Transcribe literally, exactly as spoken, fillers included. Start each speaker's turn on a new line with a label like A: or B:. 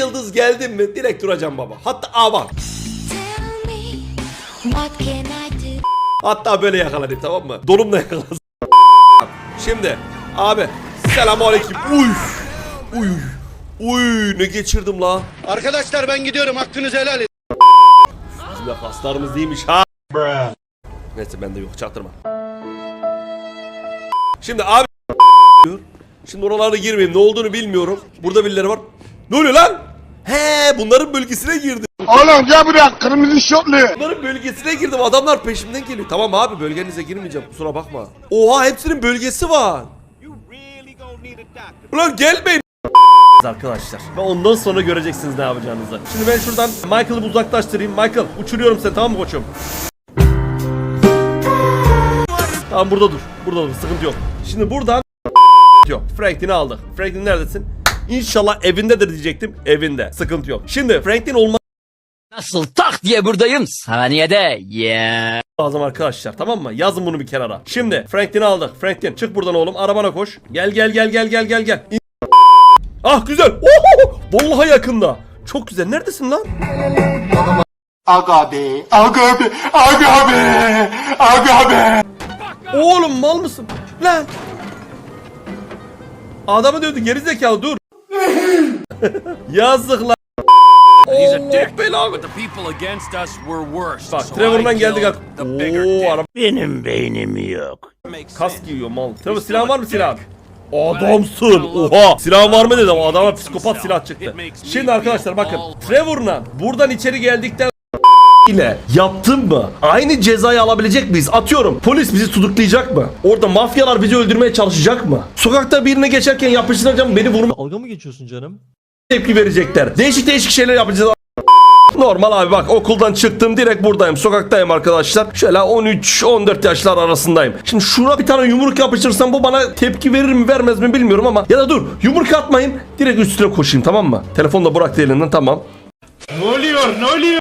A: yıldız geldin mi direkt duracağım baba. Hatta aa bak. Hatta böyle yakalanayım, tamam mı? Donumla yakalasın. Şimdi abi selamünaleyküm. Uy. Uy. Uy ne geçirdim la.
B: Arkadaşlar ben gidiyorum, hakkınızı helal edin.
A: Bizim de kaslarımız değilmiş ha. Bruh. Neyse bende yok, çaktırma. Şimdi abi şimdi oralara girmeyeyim, ne olduğunu bilmiyorum. Burada birileri var. Ne oluyor lan? He, bunların bölgesine girdim.
B: Oğlum gel buraya, kırmızı şortlu.
A: Bunların bölgesine girdim, adamlar peşimden geliyor. Tamam abi, bölgenize girmeyeceğim, kusura bakma. Oha, hepsinin bölgesi var. Ulan gelmeyin arkadaşlar. Ve ondan sonra göreceksiniz ne yapacağınızı. Şimdi ben şuradan Michael'ı uzaklaştırayım. Michael, uçuruyorum seni, tamam mı koçum? Tamam, burada dur. Burada dur, sıkıntı yok. Şimdi buradan yok. Franklin'i aldık. Franklin neredesin? İnşallah evindedir diyecektim. Evinde. Sıkıntı yok. Şimdi Franklin olma
C: Nasıl tak diye buradayım saniyede. Yeah.
A: lazım arkadaşlar, tamam mı? Yazın bunu bir kenara. Şimdi Franklin'i aldık. Franklin çık buradan oğlum. Arabana koş. Gel gel gel gel gel gel gel. İn ah güzel. Oho! Vallahi yakında. Çok güzel. Neredesin lan?
B: Aga be, aga be, aga be, aga be.
A: Oğlum mal mısın? Lan. Adamı dövdü, gerizekalı, dur. Yazık lan.
D: He's a
A: Oh,
D: dick,
A: belanı.
D: but the people against us were worse.
A: Bak
D: So
A: Trevor'dan
D: I
A: geldik
D: killed
A: artık.
D: the bigger
A: Oo,
D: dick.
A: araba.
C: Benim beynim yok.
D: Makes
A: Kas
D: sense.
A: giyiyor mal. Trevor, silahın var mı silah? Adamsın. Oha. Silahın var mı dedim. Adama psikopat silah çıktı. Şimdi arkadaşlar bakın. Trevor'la buradan içeri geldikten ile yaptın mı? Aynı cezayı alabilecek miyiz? Atıyorum. Polis bizi tutuklayacak mı? Orada mafyalar bizi öldürmeye çalışacak mı? Sokakta birine geçerken yapıştıracağım, beni vurma
E: Dalga mı geçiyorsun canım?
A: tepki verecekler. Değişik değişik şeyler yapacağız. Normal abi, bak okuldan çıktım, direkt buradayım, sokaktayım arkadaşlar. Şöyle on üç on dört yaşlar arasındayım. Şimdi şuna bir tane yumruk yapıştırsam bu bana tepki verir mi vermez mi bilmiyorum ama ya da dur, yumruk atmayayım, direkt üstüne koşayım, tamam mı? Telefonu da bıraktı elinden, tamam.
B: Ne oluyor, ne oluyor?